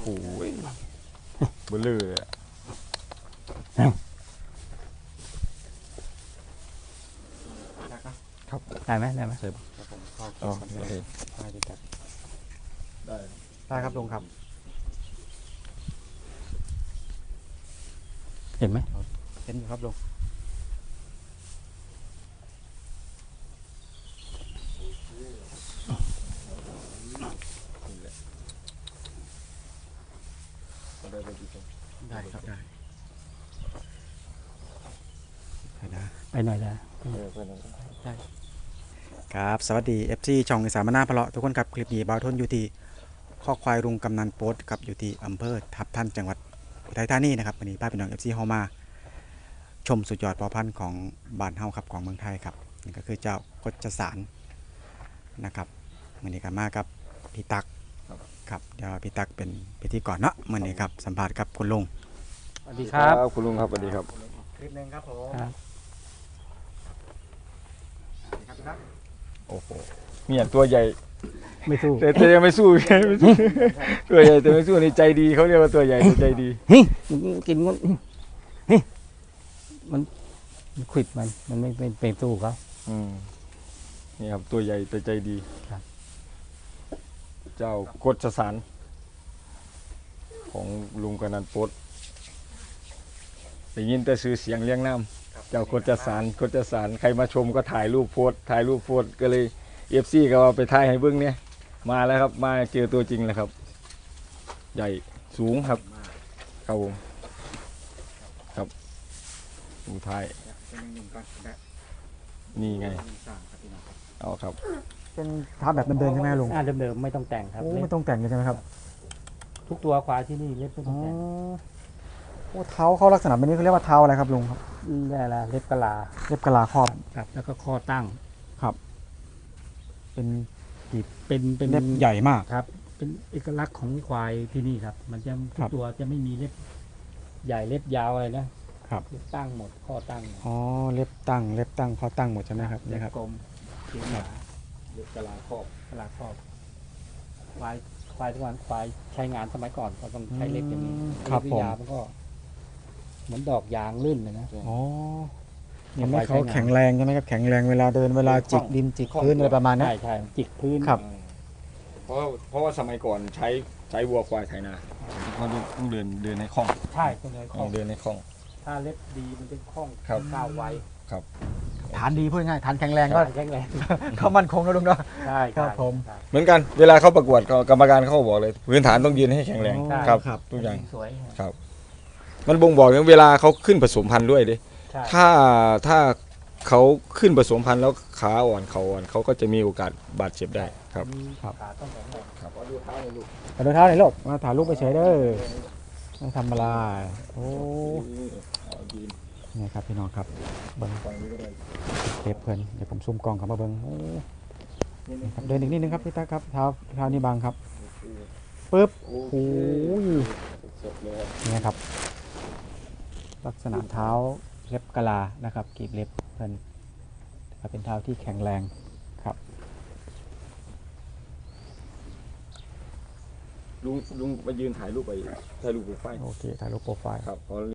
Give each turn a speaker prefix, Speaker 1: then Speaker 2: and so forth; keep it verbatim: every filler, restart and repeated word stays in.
Speaker 1: เบลอเลยครับ
Speaker 2: ได้ไหมได้ไหม
Speaker 1: ใช่ปะอ๋อโอเคได้ดีครับได้ได้ครับลุงครับ
Speaker 2: เห็นไหม
Speaker 1: เห็นอยู่ครับลุงได้ครับได้ได้
Speaker 2: ไปหน่อยได้
Speaker 1: ได้ครับสวัสดี เอฟ ซี ช่องอีสานมะนาวพะเลาะทุกคนครับคลิปนี้บ่าวทนอยู่ที่ข้อควายรุงกำนันโป๊ตครับอยู่ที่อำเภอทับทันจังหวัดอุทัยธานีนะครับวันนี้ป้าพี่น้อง เอฟ ซี เฮามาชมสุดยอดพอพันธุ์ของบ้านเฮาครับของเมืองไทยครับนี่ก็คือเจ้ากฎสารนะครับวันนี้ก็มากับพี่ตักครับเดี๋ยวพี่ตักเป็นพิธีกรเนาะวันนี้ครับสัมภาษณ์กับคุณลุง
Speaker 2: สวัสดีครับ
Speaker 3: คุณลุงครับสวัสดีครับ
Speaker 1: คลิปนึงครับผม
Speaker 2: ครับ
Speaker 3: โอ้โหเนี่ยตัวใหญ่
Speaker 2: ไม่สู้
Speaker 3: แต่แต่ยังไม่สู้ ไม่สู้ตัวใหญ่แต่ไม่สู้นี่ใจดีเขาเรียกว่าตัวใหญ่แต่ใจดี
Speaker 2: เฮ้ยกินงดเฮ้ยมันมันขวิดมันมันไม่เป็นเป็นสู้เขา
Speaker 3: อืมนี่ครับตัวใหญ่แต่ใจดี
Speaker 2: ครับ
Speaker 3: เจ้ากฎสารของลุงกำนันโป๊ตได้ยินแต่ซื้อเสียงเลี้ยงน้ำเจ้ากฎสารกฎสารใครมาชมก็ถ่ายรูปโพสถ่ายรูปโพสก็เลยเอฟซีก็ว่าไปถ่ายให้เบิ้งเนี่ยมาแล้วครับมาเจอตัวจริงแล้วครับ ใหญ่สูงครับครับผมครับดูท้ายนี่ไงเอาครับ
Speaker 1: เป็นท้าแบบเดินๆใช่ไหมลุง
Speaker 2: อ่าเดิมๆไม่ต้องแต่งครับ
Speaker 1: โอ้
Speaker 2: เล็
Speaker 1: ไม่
Speaker 2: บ
Speaker 1: ต้องแต่งเลยใช่ไหมครับ
Speaker 2: ทุกตัวควายที่นี่เล็บไม่ต้
Speaker 1: อ๋
Speaker 2: อง
Speaker 1: อ
Speaker 2: แต่ง
Speaker 1: โอ้เท้าเขาลักษณะแบบนี้เขาเรียกว่าเท้าอะไรครับลุงครับ
Speaker 2: ได้ละเล็บกะลา
Speaker 1: เล็บกะลาครอบ
Speaker 2: ครับ แล้วก็ข้อตั้ง
Speaker 1: เป็น
Speaker 2: เป็นเป็น
Speaker 1: เล็บใหญ่มาก
Speaker 2: ครับ เป็นเอกลักษณ์ของควายที่นี่ครับ มันจะทุ
Speaker 1: ครั
Speaker 2: ก
Speaker 1: บ
Speaker 2: ตัวจะไม่มีเล็บใหญ่เล็บยาวอะไรนะครับ เล็บตั้งหมดข้อตั้งหมด
Speaker 1: อ๋อเล็บตั้งเล็บตั้งคอตั้งหมดใช่ไหมครับ
Speaker 2: เล็
Speaker 1: นี่
Speaker 2: บ
Speaker 1: ครับ
Speaker 2: กลมเขียวหนาเล็บกะลาครอบกะลาครอบควายควายทุกวันควายใช้งานสมัยก่อนก็ต้องใช้เล็บอย่างนี้
Speaker 1: ครับ
Speaker 2: เล็
Speaker 1: ผม
Speaker 2: ยาวมันก็เหมือนดอกยางลื่นเลยนะ
Speaker 1: อ๋อทำให้เขาแข็งแรงใช่ไหมครับแข็งแรงเวลาเดินเวลาจิกดินจิกพื้นอะไรประมาณนี้
Speaker 2: ใช่ใช่จิกพื้น
Speaker 1: ครับ
Speaker 3: เพราะเพราะว่าสมัยก่อนใช้ใช้วัวควายไถนาเขาต้องเดินเดินในคลอง
Speaker 2: ใช่ต้องเลยคล่อง
Speaker 3: เดินในคลอง
Speaker 2: ถ้าเล็บดีมันจะคล่อง
Speaker 3: ครับ
Speaker 2: ก้าวไว
Speaker 1: ฐานดีพูดง่ายฐานแข็งแรงก็
Speaker 2: แข็งแรง
Speaker 1: เขามั่นคงนะลุงเนาะ
Speaker 2: ใช่
Speaker 1: ครับ
Speaker 2: ใช่
Speaker 1: ผม
Speaker 2: ใช่
Speaker 3: เหมือนกันเวลาเขาประกวดก็กรรมการเขาก็บอกเลยพื้นฐานต้องยืนให้แข็งแรง
Speaker 1: ใช่
Speaker 3: ครับ
Speaker 1: ครับ
Speaker 3: ทุกอย่าง
Speaker 2: สวย
Speaker 3: ครับ มันบ่งบอกถึงเวลาเขาขึ้นผสมพันธุ์ด้วยดิ
Speaker 2: ใช่
Speaker 3: ถ้าถ้าเขาขึ้นผสมพันธุ์แล้วขาอ่อนเขาอ่อนเขาก็จะมีโอกาสบาดเจ็บได้ครับ
Speaker 2: มี
Speaker 1: ครับ
Speaker 2: ขาต้องแข็งแรง
Speaker 3: ครับดูเท้าเลยลูก
Speaker 1: มาดูเท้าหน่อยลูกมาถ่ายรูปไปเฉยเด้อไม่ทำอะไรโอ้นี่ครับพี่น้องครับเบิ้งเล็บเพื่อนเดี๋ยวผมซูมกล้องกลับมาเบิ้งโอ้นี่ครับเดินอีกนิดนึงครับพี่ตาครับเท้าเท้านี่บางครับปึ๊บโอ้ยนี่ครับลักษณะเท้าเล็บกะลานะครับกรีบเล็บเพื่อนเป็นเท้าที่แข็งแรงครับ
Speaker 3: ลุงลุงมายืนถ่ายรูปไปถ่ายรูปโปรไฟล์
Speaker 1: โอเคถ่ายรูปโปรไฟล์
Speaker 3: ครับ